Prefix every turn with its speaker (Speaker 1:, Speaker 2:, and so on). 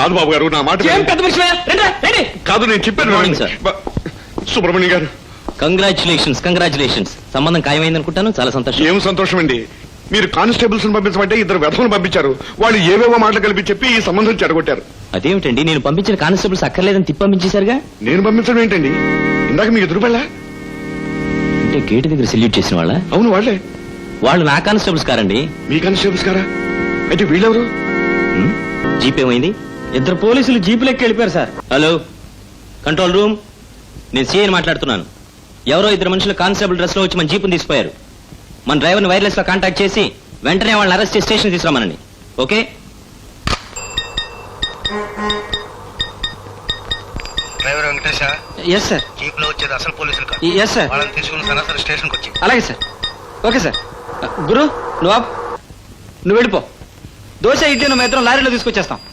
Speaker 1: కాదు బాబు గారు, నా మాట
Speaker 2: ఏం పెద్ద మనిషివా? రండి, రండి.
Speaker 1: కాదు, నేను చెప్పాను.
Speaker 3: Good morning, sir.
Speaker 1: సుబ్రహ్మణ్యం గారు,
Speaker 3: కంగ్రాచులేషన్స్. సంబంధం ఖాయమైందనుకుంటాను. చాలా సంతోషం.
Speaker 1: ఏం సంతోషం అండి. మీరు కానిస్టేబుల్స్ పంపించమంటే 2 వెధవలు పంపించారు. వాళ్ళు ఏవేవో మాటలు కలిపి చెప్పి ఈ సంబంధం చెడగొట్టారు.
Speaker 3: అదేమిటండి, నేను పంపించిన కానిస్టేబుల్స్ అక్కర్లేదని తిప్పి పంపించేశారుగా.
Speaker 1: నేను పంపించడం ఏంటండి? ఇందాక మీకు ఎదురుపల్లా?
Speaker 3: అంటే గేటు దగ్గర సెల్యూట్ చేసిన వాళ్ళ?
Speaker 1: అవును, వాళ్ళే.
Speaker 3: వాళ్ళు నా కానిస్టేబుల్స్ కారండి.
Speaker 1: మీ కానిస్టేబుల్స్ కారా? అయితే వీళ్ళెవరు?
Speaker 3: జీప్ ఏమైంది?
Speaker 2: 2 పోలీసులు జీపులెక్కి వెళ్ళిపోయారు సార్.
Speaker 3: Hello, control room. నేను సీఐని మాట్లాడుతున్నాను. ఎవరో 2 మనుషులు కానిస్టేబుల్ డ్రెస్ లో వచ్చి మన జీపుని తీసిపోయారు. మన డ్రైవర్ని వైర్లెస్ లో కాంటాక్ట్ చేసి వెంటనే వాళ్ళని అరెస్ట్ చేసి స్టేషన్ తీసుకురామనండి. Okay?
Speaker 4: Driver Venkatesha,
Speaker 2: yes sir.
Speaker 4: Jeep లో వచ్చేది అసలు పోలీసులు కాదు.
Speaker 2: Yes sir.
Speaker 4: వాళ్ళని తీసుకుని సరాసరి స్టేషన్ కి వచ్చి.
Speaker 2: అలాగే సార్. Okay sir. గురు, నువ్వు వెళ్ళిపో. దోశ ఇడ్లీ నువ్వు ఇద్దరం లారీలో తీసుకొచ్చేస్తాం.